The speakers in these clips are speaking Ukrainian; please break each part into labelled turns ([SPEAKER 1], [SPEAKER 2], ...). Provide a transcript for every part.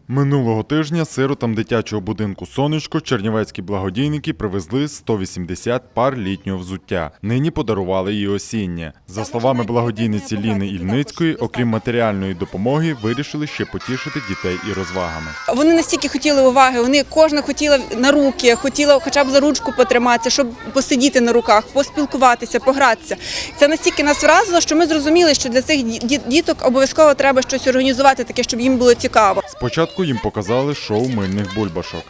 [SPEAKER 1] Минулого тижня сиротам дитячого будинку «Сонечко» чернівецькі благодійники привезли 180 пар літнього взуття. Нині подарували і осіннє. За словами благодійниці Ліни Ільницької, окрім матеріальної допомоги, вирішили ще потішити дітей і розвагами.
[SPEAKER 2] Вони настільки хотіли уваги, кожна хотіла на руки, хотіла хоча б за ручку потриматися, щоб посидіти на руках, поспілкуватися, погратися. Це настільки нас вразило, що ми зрозуміли, що для цих діток обов'язково треба щось організувати таке, щоб їм було цікаво.
[SPEAKER 1] Спочатку їм показали шоу мильних бульбашок.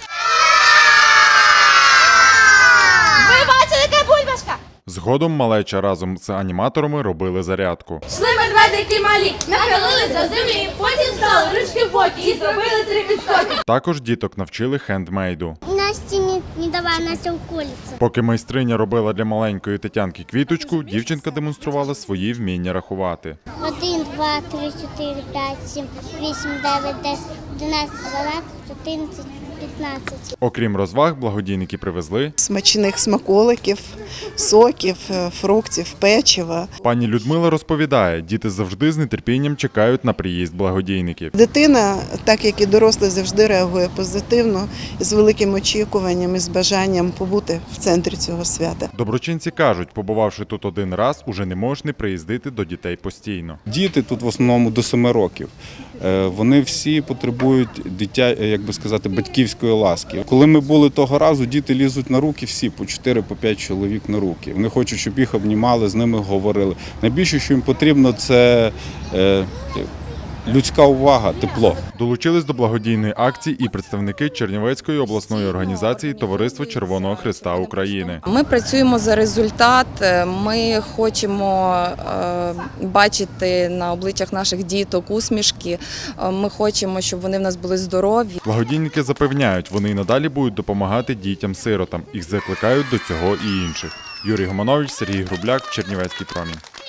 [SPEAKER 3] Ви бачили, яка бульбашка?
[SPEAKER 1] Згодом малеча разом з аніматорами робили зарядку.
[SPEAKER 3] Шли медведики малі, нахилились до землі, потім стали ручки в боки і зробили 3 підскоки.
[SPEAKER 1] Також діток навчили хендмейду.
[SPEAKER 4] Насті не давай, Настя уколиться.
[SPEAKER 1] Поки майстриня робила для маленької Тетянки квіточку, дівчинка демонструвала свої вміння рахувати.
[SPEAKER 4] 1, 2, 3, 4, 5, 7, 8, 9, 10, 11, 12, 14, 15.
[SPEAKER 1] Окрім розваг, благодійники привезли
[SPEAKER 5] Смачних смаколиків, соків, фруктів, печива.
[SPEAKER 1] Пані Людмила розповідає, діти завжди з нетерпінням чекають на приїзд благодійників.
[SPEAKER 5] Дитина, так як і дорослий, завжди реагує позитивно, з великим очікуванням і з бажанням побути в центрі цього свята.
[SPEAKER 1] Доброчинці кажуть, побувавши тут один раз, уже не можеш не приїздити до дітей постійно.
[SPEAKER 6] Діти тут в основному до 7 років. Вони всі потребують батьківської ласки. Коли ми були того разу, діти лізуть на руки всі, по 4-5 чоловік на руки. Вони хочуть, щоб їх обнімали, з ними говорили. Найбільше, що їм потрібно, це людська увага, тепло.
[SPEAKER 1] Долучились до благодійної акції і представники Чернівецької обласної організації Товариство Червоного Хреста України.
[SPEAKER 7] Ми працюємо за результат, ми хочемо бачити на обличчях наших діток усмішки, ми хочемо, щоб вони в нас були здорові.
[SPEAKER 1] Благодійники запевняють, вони й надалі будуть допомагати дітям-сиротам. Їх закликають до цього і інших. Юрій Гоманович, Сергій Грубляк, Чернівецький промінь.